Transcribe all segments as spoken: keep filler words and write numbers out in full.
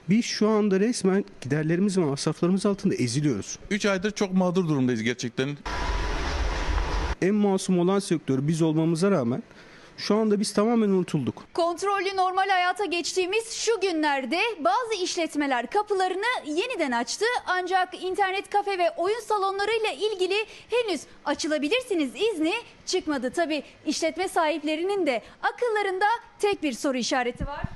Biz şu anda resmen giderlerimiz ve masraflarımız altında eziliyoruz. üç aydır çok mağdur durumdayız gerçekten. En masum olan sektör biz olmamıza rağmen şu anda biz tamamen unutulduk. Kontrollü normal hayata geçtiğimiz şu günlerde bazı işletmeler kapılarını yeniden açtı. Ancak internet kafe ve oyun salonlarıyla ilgili henüz açılabilirsiniz izni çıkmadı. Tabii işletme sahiplerinin de akıllarında tek bir soru işareti var.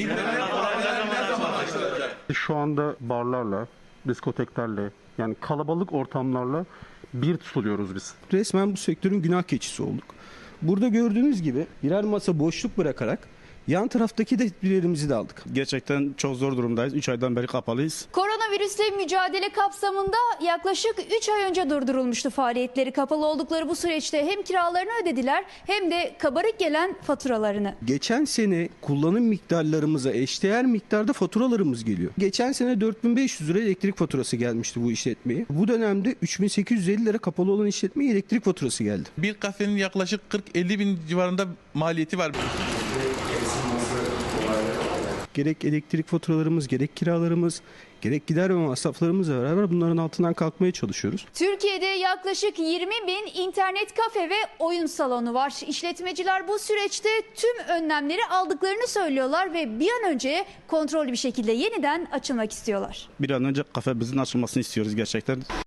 Şu anda barlarla, diskoteklerle, yani kalabalık ortamlarla bir tutuluyoruz biz. Resmen bu sektörün günah keçisi olduk. Burada gördüğünüz gibi birer masa boşluk bırakarak yan taraftaki de tedbirlerimizi de aldık. Gerçekten çok zor durumdayız. üç aydan beri kapalıyız. Koronavirüsle mücadele kapsamında yaklaşık üç ay önce durdurulmuştu faaliyetleri. Kapalı oldukları bu süreçte hem kiralarını ödediler hem de kabarık gelen faturalarını. Geçen sene kullanım miktarlarımıza eşdeğer miktarda faturalarımız geliyor. Geçen sene dört bin beş yüz lira elektrik faturası gelmişti bu işletmeye. Bu dönemde üç bin sekiz yüz elli lira kapalı olan işletmeye elektrik faturası geldi. Bir kafenin yaklaşık kırk elli bin civarında maliyeti var. Gerek elektrik faturalarımız, gerek kiralarımız, gerek gider ve masraflarımızla beraber bunların altından kalkmaya çalışıyoruz. Türkiye'de yaklaşık yirmi bin internet kafe ve oyun salonu var. İşletmeciler bu süreçte tüm önlemleri aldıklarını söylüyorlar ve bir an önce kontrollü bir şekilde yeniden açılmak istiyorlar. Bir an önce kafemizin açılmasını istiyoruz gerçekten.